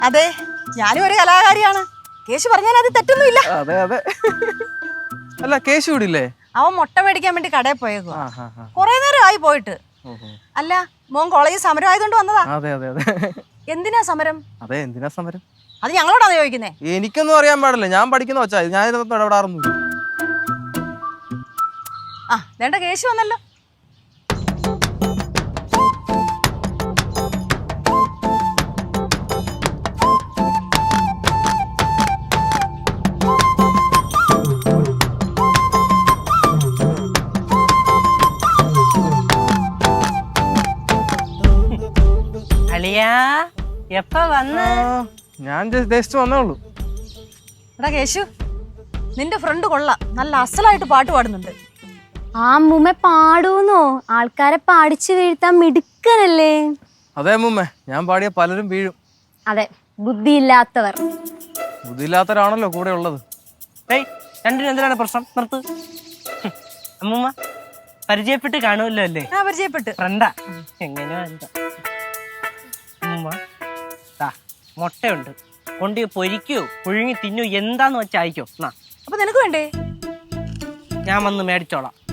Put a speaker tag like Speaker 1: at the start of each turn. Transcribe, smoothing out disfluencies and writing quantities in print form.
Speaker 1: അതെ, ഞാനും ഒരു കലാകാരിയാണ്. കേശു പറഞ്ഞാൽ അത് തെറ്റൊന്നുമില്ല.
Speaker 2: അതെ അതെ. അല്ല കേശു ഇവിടില്ലേ?
Speaker 1: അവൻ മുട്ട മേടിക്കാൻ വേണ്ടി കടയിൽ പോയേക്കോ. കൊറേ നേരം ആയി പോയിട്ട്. അല്ല, മോൻ കോളേജിൽ സമരം ആയതുകൊണ്ട് വന്നതാ?
Speaker 2: അതെ അതെ അതെ.
Speaker 1: എന്തിനാ സമരം?
Speaker 2: അതെ, എന്തിനാ സമരം?
Speaker 1: അത് ഞങ്ങളോടാണ് ചോദിക്കുന്നേ.
Speaker 2: എനിക്കൊന്നും അറിയാൻ പാടില്ല, ഞാൻ പഠിക്കുന്ന വെച്ചാ ഞാൻ ഇതൊന്നും ഇടപെടാറൊന്നുമില്ല.
Speaker 1: ആ വേണ്ട, കേശു വന്നല്ലോ.
Speaker 3: അളിയാ എപ്പ വന്ന്?
Speaker 2: ഞാൻ ജസ്റ്റ് വന്നേ ഉള്ളൂ.
Speaker 1: എടാ കേശു, നിന്റെ ഫ്രണ്ട് കൊള്ളാം, നല്ല അസലായിട്ട് പാട്ട് പാടുന്നുണ്ട്.
Speaker 4: ആ അമ്മൂമ്മ പാടൂന്നോ? ആൾക്കാരെ പാടിച്ചു വീഴ്ത്താൻ മിടുക്കനല്ലേ?
Speaker 2: അതെ അമ്മൂമ്മ, ഞാൻ പാടിയ പലരും വീഴും.
Speaker 4: അതെ, ബുദ്ധിയില്ലാത്തവർ.
Speaker 2: ബുദ്ധിയില്ലാത്തവരാണല്ലോ കൂടെ ഉള്ളത്.
Speaker 3: ഏയ്, രണ്ടിനും എന്തിനാണ് പ്രശ്നം? നിർത്ത്. അമ്മൂമ്മ പരിചയപ്പെട്ട് കാണുമല്ലോ അല്ലേ?
Speaker 1: ആ പരിചയപ്പെട്ട്.
Speaker 3: ഫ്രണ്ടാ. എങ്ങനെയാ എന്താ അമ്മൂമ്മ, മുട്ടയുണ്ട്, കൊണ്ട് പൊരിക്കോ പുഴുങ്ങി തിന്നോ, എന്താന്ന് വെച്ചാ അയക്കോ.
Speaker 1: അപ്പൊ നിനക്ക് വേണ്ടേ?
Speaker 3: ഞാൻ വന്ന് മേടിച്ചോളാം.